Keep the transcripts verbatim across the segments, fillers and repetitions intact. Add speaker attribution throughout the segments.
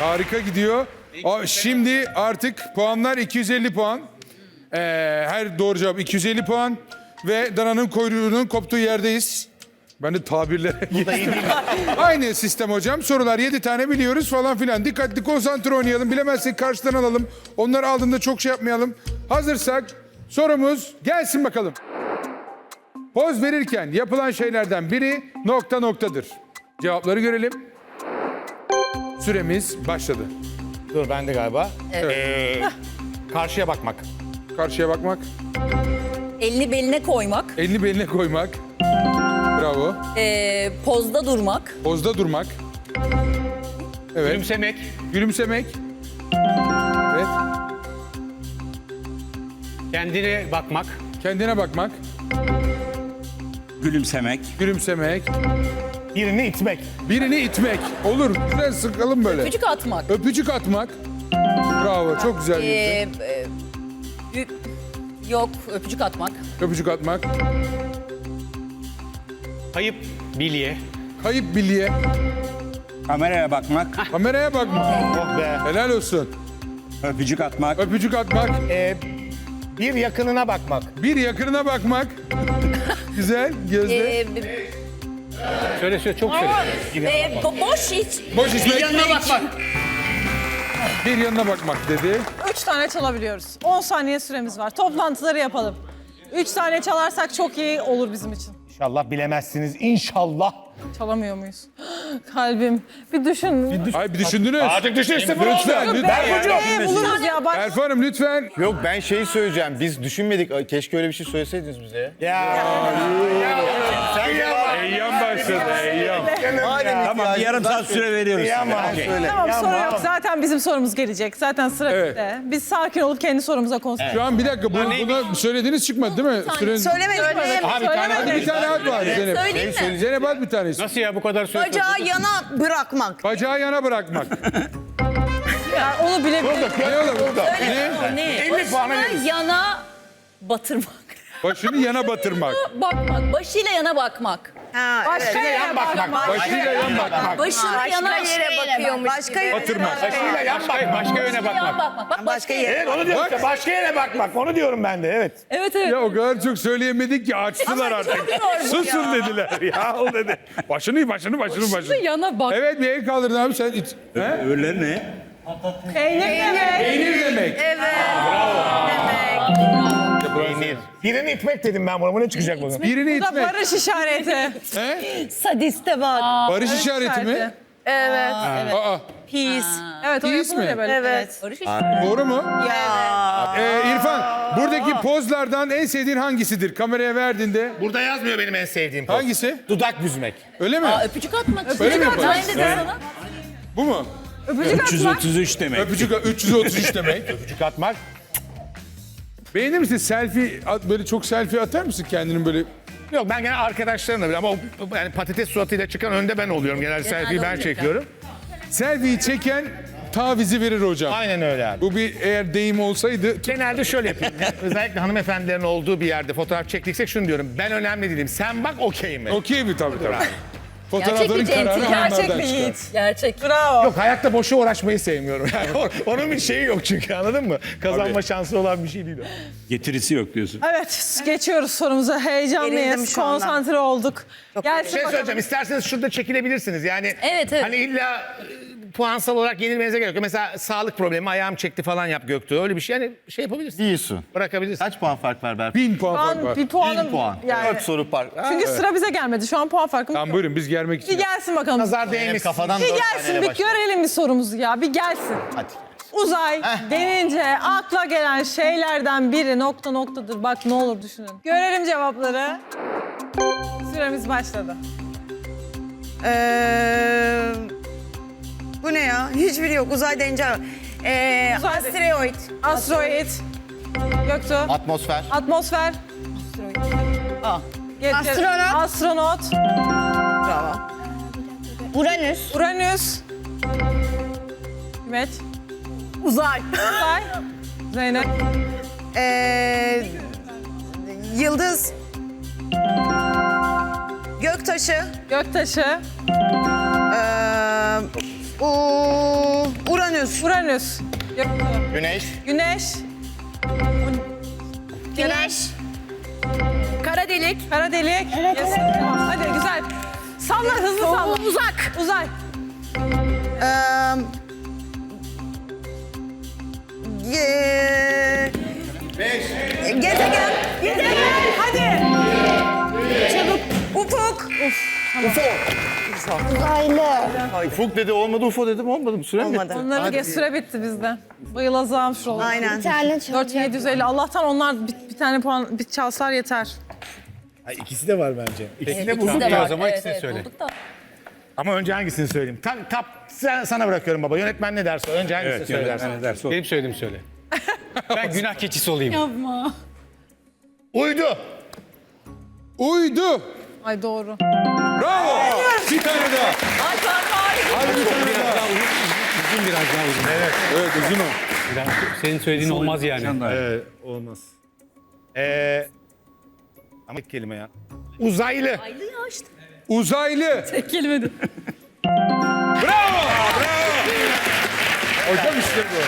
Speaker 1: Harika gidiyor. O, şimdi artık puanlar iki yüz elli puan. Ee, her doğru cevap iki yüz elli puan. Ve dananın kuyruğunun koptuğu yerdeyiz. Ben de tabirlere geçtim. Aynı sistem hocam. Sorular yedi tane biliyoruz falan filan. Dikkatli konsantre oynayalım. Bilemezsek karşıdan alalım. Onları aldığında çok şey yapmayalım. Hazırsak sorumuz gelsin bakalım. Poz verirken yapılan şeylerden biri nokta noktadır. Cevapları görelim. Süremiz başladı.
Speaker 2: Dur ben de galiba.
Speaker 1: Evet.
Speaker 2: Ee, karşıya bakmak.
Speaker 1: Karşıya bakmak,
Speaker 3: Elini beline koymak,
Speaker 1: elini beline koymak. Bravo.
Speaker 3: ee, pozda durmak,
Speaker 1: Pozda durmak. Evet.
Speaker 2: Gülümsemek.
Speaker 1: Gülümsemek. Evet.
Speaker 2: Kendine bakmak.
Speaker 1: Kendine bakmak.
Speaker 4: Gülümsemek.
Speaker 1: Gülümsemek.
Speaker 2: Birini itmek.
Speaker 1: Birini itmek. Olur. Güzel sıkalım böyle.
Speaker 3: öpücük atmak,
Speaker 1: Öpücük atmak. Bravo. Çok güzel.
Speaker 3: ee,
Speaker 1: Ee...
Speaker 3: e, ü- yok öpücük atmak,
Speaker 1: Öpücük atmak.
Speaker 2: Kayıp bilye.
Speaker 1: Kayıp bilye.
Speaker 4: Kameraya bakmak.
Speaker 1: Kameraya bakmak.
Speaker 2: Oh be.
Speaker 1: Helal olsun.
Speaker 4: Öpücük atmak.
Speaker 1: Öpücük atmak.
Speaker 2: Ee, bir yakınına bakmak.
Speaker 1: Bir yakınına bakmak. Güzel. Gözde.
Speaker 3: ee, b-
Speaker 2: Söyle söyle çok söyle.
Speaker 3: ee, bo- boş hiç.
Speaker 1: Boş içmek.
Speaker 3: Yanına bakmak.
Speaker 1: Bir yanına bakmak dedi.
Speaker 5: Üç tane çalabiliyoruz. on saniye süremiz var. Toplantıları yapalım. Üç tane çalarsak çok iyi olur bizim için.
Speaker 2: İnşallah bilemezsiniz. İnşallah.
Speaker 5: Çalamıyor muyuz? Kalbim. Bir düşün.
Speaker 1: Ay bir düşündünüz.
Speaker 2: Artık düşün sıfır
Speaker 1: Lütfen,
Speaker 2: oldu.
Speaker 1: lütfen.
Speaker 5: Ee, buluruz ya. Bak.
Speaker 1: Elif Hanım lütfen.
Speaker 6: Yok ben şeyi söyleyeceğim. Biz düşünmedik. Keşke öyle bir şey söyleseydiniz bize.
Speaker 2: Ya. Sen ya.
Speaker 1: Eyyam başladı. Eyyam.
Speaker 4: Tamam bir yarım saat süre veriyoruz.
Speaker 2: Yama.
Speaker 4: Okey.
Speaker 6: Söyle.
Speaker 5: Tamam
Speaker 2: Ya,
Speaker 5: soru
Speaker 2: tamam.
Speaker 5: yok. Zaten bizim sorumuz gelecek. Zaten sıra
Speaker 1: Evet.
Speaker 5: bizde. Biz sakin olup kendi sorumuza konsantre.
Speaker 1: Şu an bir dakika. Bu, buna söylediğiniz çıkmadı değil mi? Süreniz...
Speaker 7: Söylemedik.
Speaker 2: Abi bir tane
Speaker 1: Hadi bir tane at var Zeynep.
Speaker 3: Söyleyeyim mi?
Speaker 1: Zeynep at bir tanesi.
Speaker 2: Nasıl ya bu kadar söyle?
Speaker 7: Bacağı yana bırakmak.
Speaker 1: Bacağı yana bırakmak.
Speaker 5: Yani onu bilebilirim.
Speaker 1: Ne oğlum? Ne?
Speaker 3: Ne?
Speaker 2: elli puanı
Speaker 3: Başına
Speaker 2: veririz.
Speaker 3: yana batırmak.
Speaker 1: Başını yana batırmak.
Speaker 3: Bakmak, başıyla yana bakmak.
Speaker 7: Ha,
Speaker 5: Başka
Speaker 7: evet.
Speaker 5: yere bakmak.
Speaker 1: Başıyla yan bakmak.
Speaker 3: Başına
Speaker 7: Başka
Speaker 3: yana
Speaker 7: yere bakıyormuş. Başka yere
Speaker 1: Batırmak.
Speaker 2: Başıyla yan bak. Başka yöne
Speaker 3: Yan
Speaker 2: bakmak.
Speaker 3: bakmak. Bak
Speaker 7: Başka yere.
Speaker 2: Evet onu diyorum.
Speaker 1: Bak.
Speaker 2: işte, başka yere bakmak. Onu diyorum ben de evet.
Speaker 3: Evet evet.
Speaker 1: Ya o kadar çok söyleyemedik ki açtılar artık. Susun dediler. Ya o dedi. Başını başını başını başını.
Speaker 3: Yana bak.
Speaker 1: Evet bir el kaldırdın abi sen. it- He?
Speaker 4: Öbürleri ne?
Speaker 5: Peynir demek.
Speaker 1: Peynir demek.
Speaker 2: Peynir. Birini itmek dedim ben buna. Bu ne çıkacak bugün?
Speaker 1: Birini
Speaker 5: Bu da
Speaker 1: itmek.
Speaker 5: barış işareti.
Speaker 1: He?
Speaker 3: Sadiste bak.
Speaker 1: Barış işareti mi?
Speaker 7: Evet.
Speaker 1: Aa,
Speaker 7: Peace.
Speaker 5: Evet o
Speaker 1: Peace
Speaker 5: yapılır
Speaker 1: mi?
Speaker 5: ya böyle.
Speaker 7: Evet.
Speaker 3: Barış işte.
Speaker 1: doğru mu?
Speaker 7: Ya.
Speaker 1: Ee, İrfan, buradaki pozlardan en sevdiğin hangisidir? Kameraya verdiğinde
Speaker 2: Burada yazmıyor benim en sevdiğim poz.
Speaker 1: hangisi?
Speaker 2: Dudak büzmek.
Speaker 1: Öyle mi?
Speaker 3: Aa, öpücük atmak.
Speaker 1: Öyle mi
Speaker 3: atmak.
Speaker 1: yapalım?
Speaker 3: Ben dedim sana.
Speaker 1: Bu mu?
Speaker 5: Öpücük
Speaker 4: üç yüz
Speaker 5: atmak.
Speaker 4: otuz üç demek.
Speaker 1: Öpücük üç yüz otuz üç demek.
Speaker 2: Öpücük atmak.
Speaker 1: Beğenir misin? Selfie, at- böyle çok selfie atar mısın kendinin böyle?
Speaker 2: Yok ben gene arkadaşlarımla bile ama o, yani patates suratıyla çıkan önde ben oluyorum. Genel selfie'yi ben
Speaker 3: öyle
Speaker 2: çekiyorum.
Speaker 1: Selfie'yi çeken tavizi verir hocam.
Speaker 2: Aynen öyle abi.
Speaker 1: Bu bir eğer deyim olsaydı
Speaker 2: Genelde şöyle yapayım. Özellikle hanımefendilerin olduğu bir yerde fotoğraf çektiksek şunu diyorum. Ben önemli değilim. Sen bak okey mi?
Speaker 1: okey mi tabii tabii. Fotoğrafların
Speaker 3: Gerçek bir
Speaker 1: kararı
Speaker 3: centilmen.
Speaker 1: onlardan
Speaker 5: Gerçek bir
Speaker 1: çıkar.
Speaker 5: yiğit.
Speaker 3: Gerçek.
Speaker 5: Bravo.
Speaker 2: Yok hayatta boşa uğraşmayı sevmiyorum. Yani o- onun bir şeyi yok çünkü anladın mı? Kazanma
Speaker 1: Tabii.
Speaker 2: şansı olan bir şey değil o.
Speaker 4: Getirisi yok diyorsun.
Speaker 5: Evet geçiyoruz sorumuza.
Speaker 7: Gerildim
Speaker 5: Heyecanlıyız.
Speaker 7: şu anda.
Speaker 5: Konsantre olduk.
Speaker 2: Bir
Speaker 5: Gelsin
Speaker 2: şey
Speaker 5: bakalım.
Speaker 2: söyleyeceğim. İsterseniz şurada çekilebilirsiniz. Yani
Speaker 3: Evet, evet.
Speaker 2: hani illa e, puansal olarak yenilmenize gerek yok. Mesela sağlık problemi ayağım çekti falan yap Göktuğ. Öyle bir şey yani şey yapabilirsin.
Speaker 6: Değilsin.
Speaker 2: Bırakabilirsin.
Speaker 6: Kaç puan fark var Berk?
Speaker 1: Bin puan
Speaker 5: Şu
Speaker 1: fark
Speaker 5: an
Speaker 1: var.
Speaker 5: bir puanım
Speaker 6: Bin puan.
Speaker 5: yani.
Speaker 6: Dört soru fark. Ha,
Speaker 5: Çünkü sıra bize gelmedi. Şu an puan farkımız
Speaker 1: Tamam
Speaker 5: yok.
Speaker 1: buyurun biz gelmek
Speaker 5: Bir
Speaker 1: için.
Speaker 5: gelsin bakalım.
Speaker 2: Nazar
Speaker 6: benim
Speaker 2: değmesin.
Speaker 6: kafadan
Speaker 5: Bir
Speaker 6: dört
Speaker 5: gelsin
Speaker 6: taneyle
Speaker 5: bir
Speaker 6: başla.
Speaker 5: görelim bir sorumuzu ya. Bir gelsin.
Speaker 6: Hadi.
Speaker 5: Uzay denince akla gelen şeylerden biri nokta noktadır. Bak ne olur düşünün. Görelim cevapları. Süremiz başladı.
Speaker 7: Ee, bu ne ya? Hiçbiri yok. Uzay deyince. Ee,
Speaker 5: Uzay-
Speaker 7: asteroid.
Speaker 5: Asteroid. Göktuğ.
Speaker 6: Atmosfer.
Speaker 5: Atmosfer.
Speaker 7: Aa.
Speaker 5: Getir.
Speaker 7: Astronot.
Speaker 5: Astronot.
Speaker 7: Bravo. Uranüs.
Speaker 5: Uranüs. Hikmet.
Speaker 7: Uzay.
Speaker 5: Uzay. Zeynep.
Speaker 7: Ee, yıldız. Göktaşı.
Speaker 5: Göktaşı.
Speaker 7: Ee, u, Uranüs. Uranüs.
Speaker 5: Uranüs. Yoktu.
Speaker 6: Güneş.
Speaker 5: Güneş.
Speaker 3: Güneş. Kara delik.
Speaker 5: Kara delik. Yes. Tamam. Hadi güzel. Salla hızlı salla.
Speaker 3: Uzak.
Speaker 5: Uzay.
Speaker 7: Ee, ge- Gezegen. Gezegen.
Speaker 5: Hadi.
Speaker 7: Çabuk. Ufuk.
Speaker 6: Ufuk dedi olmadı, U F O dedim olmadı mı? Süre mi bitti?
Speaker 7: Olmadı.
Speaker 5: Onları geç, süre bitti bizde. Bayılacağım şu oldu.
Speaker 7: Aynen.
Speaker 5: dört bin yedi yüz elli. Allah'tan onlar bir, bir tane puan bir çalsalar yeter.
Speaker 2: İkisi de var bence. İkisi de
Speaker 3: İkisi
Speaker 2: bulduk
Speaker 3: de
Speaker 2: ya
Speaker 3: var.
Speaker 2: o zaman
Speaker 3: Evet,
Speaker 2: ikisini
Speaker 3: evet,
Speaker 2: söyle.
Speaker 3: bulduk da.
Speaker 2: Ama önce hangisini söyleyeyim? Tam, tap, sen, sana bırakıyorum baba. Yönetmen ne derse önce hangisini
Speaker 4: Evet,
Speaker 2: söylersin.
Speaker 4: yönetmen ne derse o.
Speaker 2: Benim söylediğimi söyle. Ben günah keçisi olayım.
Speaker 3: Yapma.
Speaker 2: Uydu.
Speaker 1: Uydu.
Speaker 5: Ay doğru.
Speaker 1: Bravo. Bir tane daha.
Speaker 3: Ay ben harika.
Speaker 1: Hadi bir tane daha.
Speaker 8: Uzun biraz daha uzun. Evet.
Speaker 1: Evet uzun o.
Speaker 8: Biraz, senin söylediğin olmaz yani.
Speaker 4: Sen daha iyi.
Speaker 2: Ee, olmaz. Ee, ama ilk kelime ya. Uzaylı.
Speaker 3: Aylı ya işte.
Speaker 1: Uzaylı.
Speaker 3: Tek kelime de.
Speaker 1: Bravo. Bravo. Hocam işte bu.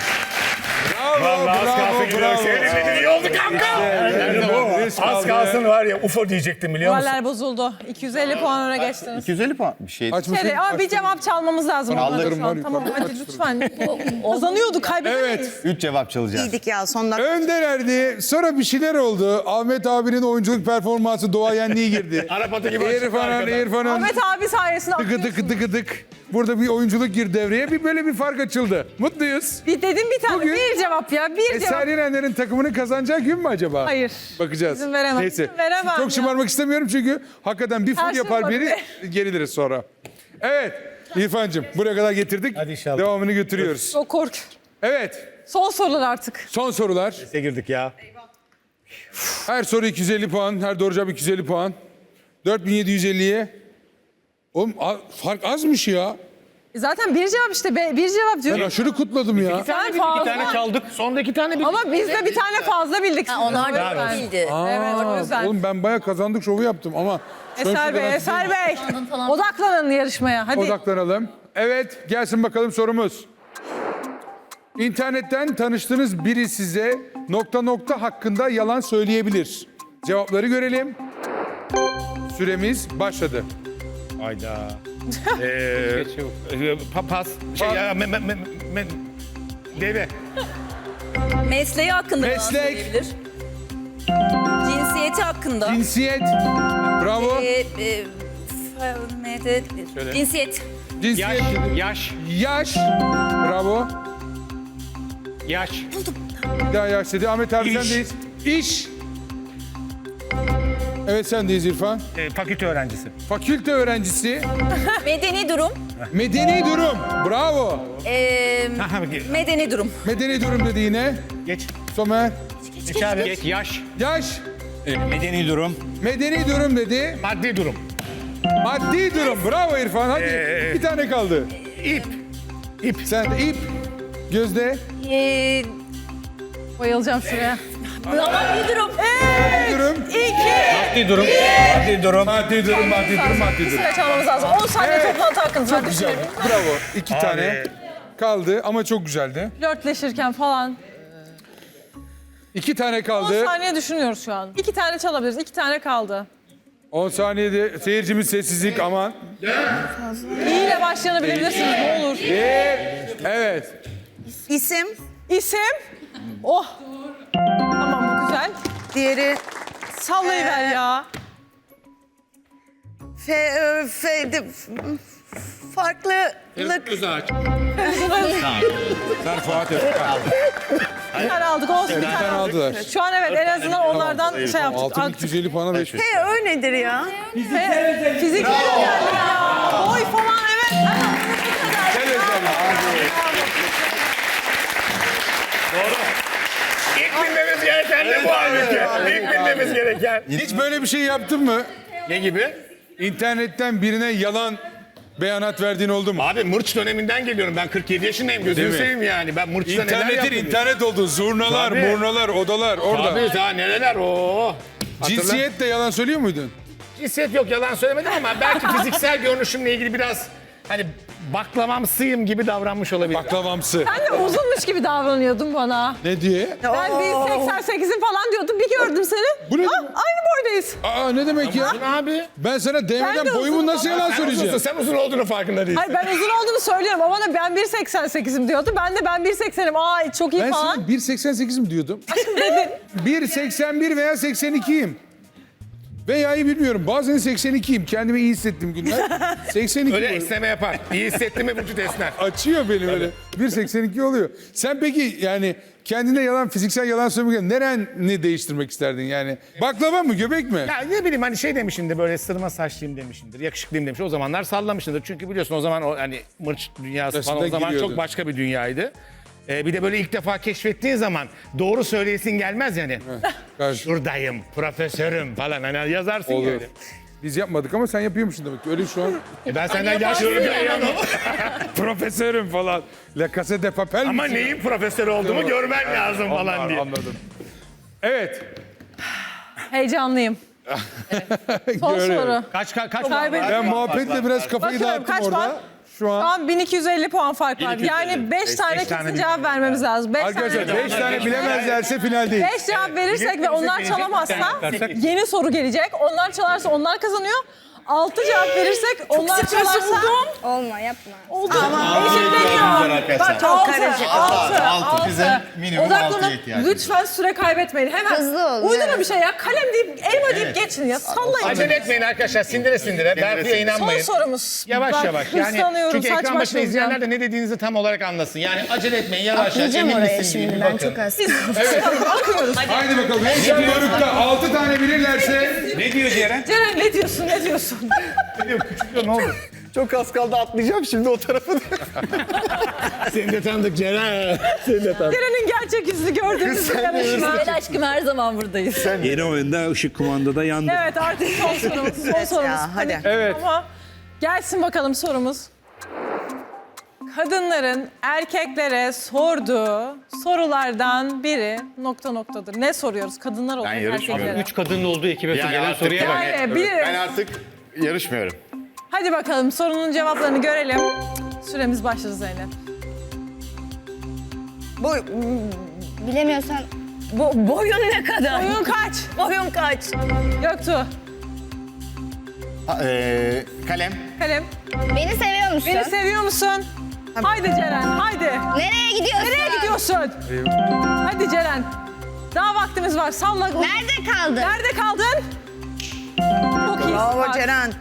Speaker 1: Bravo. bravo, bravo.
Speaker 2: iyi oldu kanka.
Speaker 1: Risk
Speaker 2: Az
Speaker 1: aldı.
Speaker 2: kalsın var ya U F O diyecektim biliyor musun?
Speaker 5: Moraller bozuldu. iki yüz elli puan öne geçtiniz.
Speaker 6: iki yüz elli puan bir şey.
Speaker 1: Açmışsın.
Speaker 5: Hadi, ama bir cevap çalmamız lazım.
Speaker 1: Alırım,
Speaker 5: Şu an.
Speaker 1: var,
Speaker 5: Tamam
Speaker 1: yukarıda.
Speaker 5: hadi lütfen. Kazanıyorduk kaybedemeyiz.
Speaker 1: Evet.
Speaker 6: üç cevap çalacağız.
Speaker 7: İyiydik ya son dakika.
Speaker 1: Öndelerdi. Sonra bir şeyler oldu. Ahmet abinin oyunculuk performansı doğayenliği girdi.
Speaker 2: Arap atı gibi açıktı
Speaker 1: İrfan'ın,
Speaker 2: arkadan.
Speaker 1: İrfan'ın
Speaker 5: Ahmet abi sayesinde
Speaker 1: tıkı
Speaker 5: atıyorsun.
Speaker 1: tıkı tıkı tık. Burada bir oyunculuk girdi devreye. Bir böyle bir fark açıldı. Mutluyuz.
Speaker 5: Bir dedim bir tane.
Speaker 1: Bugün-
Speaker 5: bir cevap ya. Bir
Speaker 1: Eser
Speaker 5: cevap.
Speaker 1: Yenenler'in takımını kazanacağı gün mü acaba?
Speaker 5: Hayır.
Speaker 1: Bakacağız.
Speaker 5: İzin veremem,
Speaker 1: Neyse.
Speaker 5: izin veremem
Speaker 1: Çok
Speaker 5: ya.
Speaker 1: şımarmak istemiyorum çünkü hakikaten bir full
Speaker 5: Her şey
Speaker 1: yapar biri
Speaker 5: olabilir.
Speaker 1: geriliriz sonra. Evet. İrfan'cığım buraya kadar getirdik.
Speaker 2: Hadi inşallah.
Speaker 1: Devamını götürüyoruz.
Speaker 5: Çok korkuyorum.
Speaker 1: Evet.
Speaker 5: Son sorular artık.
Speaker 1: Son sorular.
Speaker 2: Ne girdik ya?
Speaker 1: Her soru iki yüz elli puan. Her doğru cevap iki yüz elli puan. dört bin yedi yüz elliye. Oğlum a- fark azmış ya.
Speaker 5: Zaten bir cevap işte. be- Bir cevap
Speaker 1: Ben
Speaker 5: diyorum.
Speaker 1: aşırı kutladım ya.
Speaker 5: Sen fazla.
Speaker 2: çaldık. Sonda iki tane bildik.
Speaker 5: Ama biz de bir tane fazla bildik.
Speaker 3: Ha, onlar
Speaker 5: O
Speaker 3: da
Speaker 5: yüzden.
Speaker 3: değildi.
Speaker 5: Evet o yüzden.
Speaker 1: Oğlum ben bayağı kazandık şovu yaptım ama...
Speaker 5: Eser Bey, Eser Bey.
Speaker 3: Kazandın falan.
Speaker 5: Odaklanın yarışmaya. Hadi.
Speaker 1: Odaklanalım. Evet, gelsin bakalım sorumuz. İnternetten tanıştığınız biri size nokta nokta hakkında yalan söyleyebilir. Cevapları görelim. Süremiz başladı.
Speaker 2: Hayda. Eee pa- pas. Şey ya me, me, me, me, deve.
Speaker 3: Mesleği hakkında yalan
Speaker 1: Meslek.
Speaker 3: söyleyebilir. Cinsiyeti hakkında.
Speaker 1: Cinsiyet. Bravo.
Speaker 3: Ee, e, f- ne de- Cinsiyet.
Speaker 1: Cinsiyet.
Speaker 8: Yaş,
Speaker 1: Yaş. Bravo.
Speaker 8: yaş,
Speaker 1: Bir daha yaş dedi. Ahmet abi
Speaker 2: İş.
Speaker 1: sendeyiz. İş. Evet sendeyiz İrfan.
Speaker 2: Ee, fakülte öğrencisi.
Speaker 1: Fakülte öğrencisi.
Speaker 3: Medeni durum.
Speaker 1: Medeni durum. Bravo.
Speaker 3: Ee, medeni durum.
Speaker 1: Medeni durum dedi yine.
Speaker 2: Geç.
Speaker 1: Somer.
Speaker 2: Geç abi.
Speaker 8: geç, yaş,
Speaker 1: Yaş.
Speaker 4: Medeni durum.
Speaker 1: Medeni durum dedi.
Speaker 2: Maddi durum.
Speaker 1: Maddi durum. Bravo İrfan. Hadi
Speaker 2: Ee,
Speaker 1: bir tane kaldı.
Speaker 2: İp. İp.
Speaker 1: Sen de ip. Gözde.
Speaker 3: Ee,
Speaker 5: Bayılacağım şuraya.
Speaker 3: maddi durum.
Speaker 1: Durum.
Speaker 8: maddi durum.
Speaker 4: Maddi durum.
Speaker 1: Maddi durum, maddi durum, maddi durum.
Speaker 5: Süre çalmamız lazım. on saniye
Speaker 1: Evet.
Speaker 5: toplantı hakkınız var.
Speaker 1: Güzel.
Speaker 5: Düşünelim.
Speaker 1: Bravo. İki tane kaldı ama çok güzeldi.
Speaker 5: Flörtleşirken falan.
Speaker 1: İki tane
Speaker 5: on
Speaker 1: kaldı.
Speaker 5: saniye düşünüyoruz şu an. İki tane çalabiliriz. İki tane kaldı.
Speaker 1: on saniyede seyircimiz sessizlik aman.
Speaker 5: İyi ile başlayanı bilebilirsiniz ne olur.
Speaker 1: Bir. Evet.
Speaker 7: İsim.
Speaker 5: İsim. Oh. Tamam bu güzel.
Speaker 7: Diğeri
Speaker 5: Sallayıver ya.
Speaker 7: fe, e, fe, de, farklılık.
Speaker 4: Sen Fuat Özkan.
Speaker 5: Bir tane aldık olsun bir
Speaker 1: Bir
Speaker 5: tane
Speaker 1: tane
Speaker 5: aldık.
Speaker 1: aldılar.
Speaker 5: Şu an evet en azından onlardan şey yaptık.
Speaker 1: Altın iki yüz elli puana beş.
Speaker 7: He o nedir ya?
Speaker 5: Fe- Fizikle de geldi ya. Boy falan evet.
Speaker 1: Gel Özlem.
Speaker 2: İlk bilmemiz gereken de bu halbuki. İlk bilmemiz gereken.
Speaker 1: Hiç böyle bir şey yaptın mı?
Speaker 2: Ne gibi?
Speaker 1: İnternetten birine yalan beyanat verdiğin oldu mu?
Speaker 2: Abi mırç döneminden geliyorum. Ben kırk yedi yaşındayım.
Speaker 1: Değil
Speaker 2: Gözünü
Speaker 1: mi?
Speaker 2: seveyim yani. Ben mırçta neler
Speaker 1: İnternetin
Speaker 2: yaptım.
Speaker 1: internet oldu. Zurnalar,
Speaker 2: Tabii.
Speaker 1: murnalar, odalar orada.
Speaker 2: Abi daha neler o.
Speaker 1: Cinsiyet de yalan söylüyor muydun?
Speaker 2: Cinsiyet yok yalan söylemedim ama belki fiziksel görünüşümle ilgili biraz hani baklavamsıyım gibi davranmış olabilir.
Speaker 1: Baklavamsı.
Speaker 5: Sen de uzunmuş gibi davranıyordun bana.
Speaker 1: Ne diye?
Speaker 5: Ben bir seksen sekizim falan diyordum. Bir gördüm seni.
Speaker 1: Bu ne?
Speaker 5: Ah, aynı boydayız.
Speaker 1: Aa ne demek ya?
Speaker 2: Abi.
Speaker 1: Ben sana
Speaker 5: Ben
Speaker 1: değmeden
Speaker 5: de
Speaker 1: boyumu
Speaker 5: uzunum
Speaker 1: nasıl
Speaker 5: ama
Speaker 1: yalan
Speaker 2: Sen
Speaker 1: söyleyeceğim?
Speaker 2: uzunsun, sen uzun olduğunu farkında değilsin.
Speaker 5: Hayır ben uzun olduğunu söylüyorum. O bana ben bir seksen sekizim diyordu. Ben de ben bir seksenim. Aa çok iyi
Speaker 1: Ben
Speaker 5: falan.
Speaker 1: sana bir seksen sekiz mi diyordum?
Speaker 5: Dedin.
Speaker 1: bir seksen bir veya seksen ikiyim. Veya'yı bilmiyorum. Bazen seksen ikiyim. Kendimi iyi hissettiğim günler. seksen iki
Speaker 2: Öyle
Speaker 1: boyum.
Speaker 2: esneme yapar. İyi hissettin mi vücut esner.
Speaker 1: Açıyor beni böyle. bir seksen iki oluyor. Sen peki yani kendine yalan, fiziksel yalan söylemek nereni değiştirmek isterdin yani? Baklava mı, göbek mi?
Speaker 2: Ya ne bileyim hani şey demişimdir böyle sırma saçlıyım demişimdir. Yakışıklıyım demiş. O zamanlar sallamışımdır. Çünkü biliyorsun o zaman o hani mırç dünyası
Speaker 1: Arasında
Speaker 2: falan o zaman
Speaker 1: giriyordu.
Speaker 2: çok başka bir dünyaydı. Ee, bir de böyle ilk defa keşfettiğin zaman doğru söyleyesin gelmez yani.
Speaker 1: Karşı.
Speaker 2: Şuradayım, profesörüm falan hani yazarsın
Speaker 1: Olur.
Speaker 2: ya öyle.
Speaker 1: Biz yapmadık ama sen yapıyormuşsun demek ki. Öyle şu an
Speaker 2: E ben senden yaşlıyorum ya.
Speaker 1: profesörüm falan. La Casa de Papel
Speaker 2: Ama
Speaker 1: misin?
Speaker 2: neyin profesörü olduğumu görmen lazım falan
Speaker 1: Anladım,
Speaker 2: diye.
Speaker 1: Anladım. Evet.
Speaker 5: Heyecanlıyım. Son
Speaker 1: Görüyorum.
Speaker 5: soru.
Speaker 2: Kaç kaç kaç
Speaker 5: Kaybettim.
Speaker 1: Ben muhabbetle biraz kafayı
Speaker 5: Bakıyorum,
Speaker 1: dağıttım
Speaker 5: kaç
Speaker 1: orada.
Speaker 5: puan?
Speaker 1: Şu
Speaker 5: Şu
Speaker 1: an
Speaker 5: an bin iki yüz elli puan fark var. Yani beş tane
Speaker 2: beş tane
Speaker 5: kesin
Speaker 2: bir-
Speaker 5: cevap vermemiz lazım. beş
Speaker 1: arkadaşlar
Speaker 5: tane
Speaker 1: beş tane bilemezlerse finaldeyiz.
Speaker 5: beş cevap verirsek ve onlar çalamazsa yeni soru gelecek. Onlar çalarsa onlar kazanıyor. altı cevap verirsek onlar çalarsa
Speaker 7: Olma yapma.
Speaker 5: oldu. Eşitleniyor. Bak
Speaker 7: Çok
Speaker 5: altı,
Speaker 7: karışık.
Speaker 5: altı,
Speaker 6: Altı,
Speaker 5: altı.
Speaker 6: bize minimum
Speaker 5: Odaklanın.
Speaker 6: altıya ihtiyacımız
Speaker 5: Lütfen süre kaybetmeyin. Hemen
Speaker 7: Hızlı olun,
Speaker 5: uydurun
Speaker 7: evet.
Speaker 5: bir şey ya. Kalem deyip elma deyip geçin ya. Sallayın.
Speaker 2: Acele etmeyin arkadaşlar sindire sindire. Berfu'ya
Speaker 5: Son
Speaker 2: inanmayın.
Speaker 5: sorumuz.
Speaker 2: Yavaş
Speaker 5: Bak,
Speaker 2: yavaş. Yani
Speaker 5: hırslanıyorum,
Speaker 2: çünkü
Speaker 5: saç
Speaker 2: ekran başında
Speaker 5: başlayacağım.
Speaker 2: izleyenler de ne dediğinizi tam olarak anlasın. Yani acele etmeyin yavaş yavaş.
Speaker 7: Atlayacağım
Speaker 2: Emin
Speaker 7: oraya
Speaker 2: misin diye
Speaker 7: şimdi
Speaker 2: bir
Speaker 7: ben
Speaker 2: bakın.
Speaker 7: çok az.
Speaker 5: Bakıyoruz.
Speaker 1: Haydi bakalım. Heyecan dorukta altı tane bilirlerse
Speaker 4: Ne diyor Ceren?
Speaker 5: Ceren ne diyorsun ne diyorsun?
Speaker 2: Ne oldu?
Speaker 6: Çok az kaldı atlayacağım şimdi o tarafa.
Speaker 2: Seni de tanıdık Ceren. Seni de tanıdık.
Speaker 5: Ceren'in gerçek yüzünü gördüğümüz bir yarışma.
Speaker 3: Gel aşkım her zaman buradayız.
Speaker 4: Yeni oyunda ışık kumandada yandı.
Speaker 5: Evet artık son sorumuz. Son
Speaker 7: Evet
Speaker 5: sorumuz.
Speaker 7: ya, hadi.
Speaker 5: Hani-
Speaker 1: Evet.
Speaker 5: Ama gelsin bakalım sorumuz. Kadınların erkeklere sorduğu sorulardan biri nokta noktadır. Ne soruyoruz kadınlar olarak
Speaker 6: yarışmıyorum.
Speaker 5: erkeklere?
Speaker 8: Üç kadının olduğu ekibe
Speaker 6: Yani
Speaker 8: gelen
Speaker 6: artık
Speaker 8: soruya bak.
Speaker 5: Yani bilirim.
Speaker 6: Ben artık yarışmıyorum.
Speaker 5: Hadi bakalım sorunun cevaplarını görelim. Süremiz başladı Zeynep.
Speaker 7: Bu
Speaker 3: Bilemiyorsan bo boyun ne kadar?
Speaker 5: Oyun kaç?
Speaker 3: Boyun kaç?
Speaker 5: Göktuğ.
Speaker 6: Ha, eee, kalem.
Speaker 5: Kalem.
Speaker 3: Beni seviyor musun?
Speaker 5: Beni seviyor musun? Haydi Ceren, haydi.
Speaker 3: Nereye gidiyorsun?
Speaker 5: Nereye gidiyorsun? Hadi Ceren. Daha vaktimiz var. Salla.
Speaker 3: Nerede kaldın?
Speaker 5: Nerede kaldın? Çok iyi.
Speaker 7: bravo Ceren.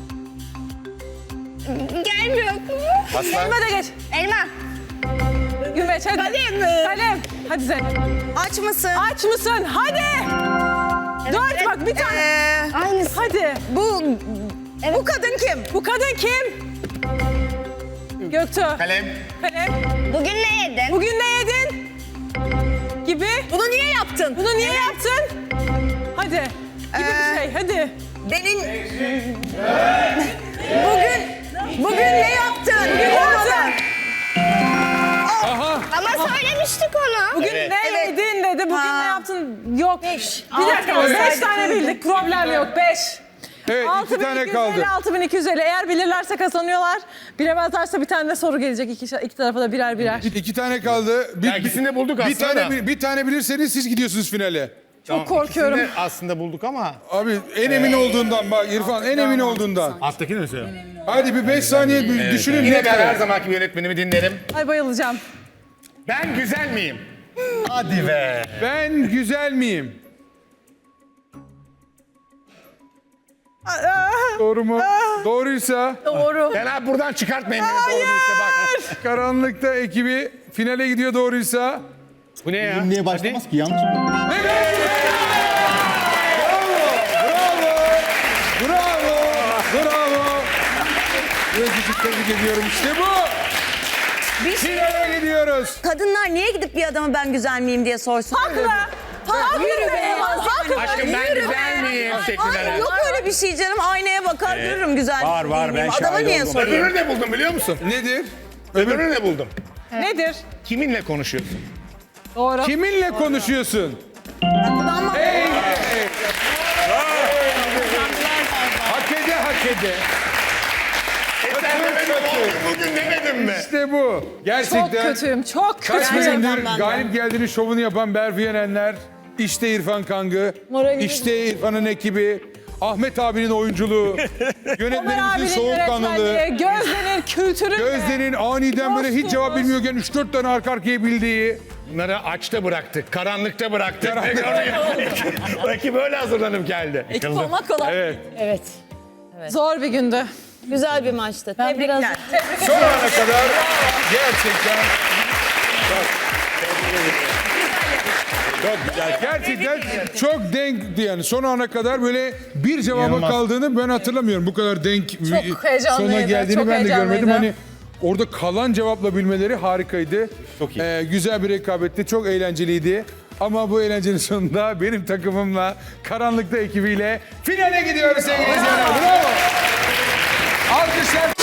Speaker 3: Gelmiyor.
Speaker 5: Elma da geç.
Speaker 3: Elma.
Speaker 5: Güveç hadi.
Speaker 3: Kalem.
Speaker 5: Kalem. Hadi Zeynep.
Speaker 7: Aç mısın?
Speaker 5: Aç mısın? Hadi. Dört
Speaker 3: evet.
Speaker 5: bak bir tane.
Speaker 7: Ee,
Speaker 3: Aynısı.
Speaker 5: Hadi.
Speaker 7: bu bu kadın kim?
Speaker 5: Bu kadın kim? Göktuğ.
Speaker 6: Kalem.
Speaker 5: Kalem.
Speaker 3: Bugün ne yedin?
Speaker 5: Bugün ne yedin? Gibi.
Speaker 7: Bunu niye yaptın?
Speaker 5: Bunu niye yaptın? Hadi. Gibi
Speaker 7: Ee,
Speaker 5: bir şey. Hadi.
Speaker 7: Benim bugün bugün ne yaptın?
Speaker 5: Bugün ne yaptın?
Speaker 3: Ama söylemiştik onu.
Speaker 5: Bugün ne
Speaker 7: Evet.
Speaker 5: yedin dedi. Bugün
Speaker 7: Ha.
Speaker 5: ne yaptın? Yok. Beş. Bir dakika. Beş tane bildik. Problem yok. Beş.
Speaker 1: evet iki tane kaldı.
Speaker 5: altı bin iki yüz elli. Eğer bilirlerse kazanıyorlar. Bilemezlerse bir tane de soru gelecek. İki, iki tarafa da birer birer.
Speaker 1: İki tane kaldı. Bir,
Speaker 2: Ya ikisini de bulduk
Speaker 1: bir
Speaker 2: aslında
Speaker 1: tane
Speaker 2: da.
Speaker 1: bir, bir tane bilirseniz siz gidiyorsunuz finale.
Speaker 5: Çok korkuyorum.
Speaker 2: İkisini de aslında bulduk ama.
Speaker 1: Abi en emin olduğundan bak İrfan en emin olduğundan.
Speaker 2: Alttakini mi söylüyorsun?
Speaker 1: Hadi bir beş saniye bir düşünün.
Speaker 2: Yine
Speaker 1: ne
Speaker 2: ben her
Speaker 1: kadar?
Speaker 2: zamanki yönetmenimi dinlerim.
Speaker 5: Ay bayılacağım.
Speaker 2: Ben güzel miyim?
Speaker 6: Hadi be.
Speaker 1: Ben güzel miyim? Doğru mu? Doğruysa
Speaker 5: Doğru.
Speaker 2: Ben abi buradan çıkartmayın beni doğruysa bak.
Speaker 1: karanlıkta ekibi finale gidiyor doğruysa.
Speaker 8: Bu ne ya?
Speaker 6: Niye başlamaz ki yanlış mı?
Speaker 1: Bravo! Bravo! Gözcük tebrik ediyorum işte bu. Finale gidiyoruz.
Speaker 7: Kadınlar niye gidip bir adama ben güzel miyim diye sorsun?
Speaker 5: Haklı. Haklı be. Haklı.
Speaker 2: Aşkım ben güzel miyim şeklinde.
Speaker 7: Hayır yok öyle bir şey canım. Aynaya bakar görürüm güzel
Speaker 4: var,
Speaker 7: miyim,
Speaker 4: var.
Speaker 7: değil miyim?
Speaker 4: Ben
Speaker 7: Adama
Speaker 4: şahit
Speaker 7: niye
Speaker 4: oldum.
Speaker 7: sorayım?
Speaker 2: Öbürünü ne buldum biliyor musun?
Speaker 1: Nedir?
Speaker 2: Öbürünü ne buldum?
Speaker 5: Nedir?
Speaker 2: Kiminle konuşuyorsun?
Speaker 5: Doğru.
Speaker 1: Kiminle konuşuyorsun?
Speaker 7: Ama
Speaker 1: Hey, hey. Hak ede hak ede.
Speaker 2: E sen de beni
Speaker 1: yaptı.
Speaker 2: Bugün demedim mi?
Speaker 1: İşte bu.
Speaker 5: Çok
Speaker 1: Gerçekten
Speaker 5: kötüyüm, çok
Speaker 1: kaç
Speaker 5: kötüyüm.
Speaker 1: bölümdür galip geldiğinin şovunu yapan Berfi Yenenler. İşte İrfan Kangı.
Speaker 5: Moralimiz-
Speaker 1: İşte İrfan'ın ekibi. Ahmet abinin oyunculuğu.
Speaker 5: Ömer
Speaker 1: Yönetmenimizin
Speaker 5: abinin
Speaker 1: soğukkanlılığı.
Speaker 5: yönetmenliği, Gözde'nin kültürü.
Speaker 1: Gözde'nin aniden böyle hiç
Speaker 5: Dostumuz.
Speaker 1: cevap bilmiyorken üç dört tane arka arkaya bildiği.
Speaker 2: Bunları açta bıraktık, karanlıkta bıraktık. Rakip böyle hazırlanıp geldi.
Speaker 3: Ekip olmak kolay.
Speaker 1: Evet.
Speaker 9: Evet.
Speaker 5: Zor bir gündü.
Speaker 9: Güzel bir maçtı.
Speaker 5: Ben
Speaker 9: Tebrikler.
Speaker 5: biraz
Speaker 1: Son ana kadar gerçekten çok güzel. Gerçekten çok denkti yani. Son ana kadar böyle bir cevaba
Speaker 6: İnanılmaz.
Speaker 1: kaldığını ben hatırlamıyorum. Bu kadar denk
Speaker 5: Çok heyecanlıydı,
Speaker 1: sona geldiğini
Speaker 5: çok
Speaker 1: ben de görmedim.
Speaker 5: heyecanlıydı.
Speaker 1: Hani orada kalan cevapla bilmeleri harikaydı.
Speaker 6: Çok iyi.
Speaker 1: Ee, güzel bir rekabetti. Çok eğlenceliydi. Ama bu eğlencenin sonunda benim takımımla, Karanlıkta ekibiyle finale gidiyoruz sevgili izleyenler. Bravo. Alkışlar.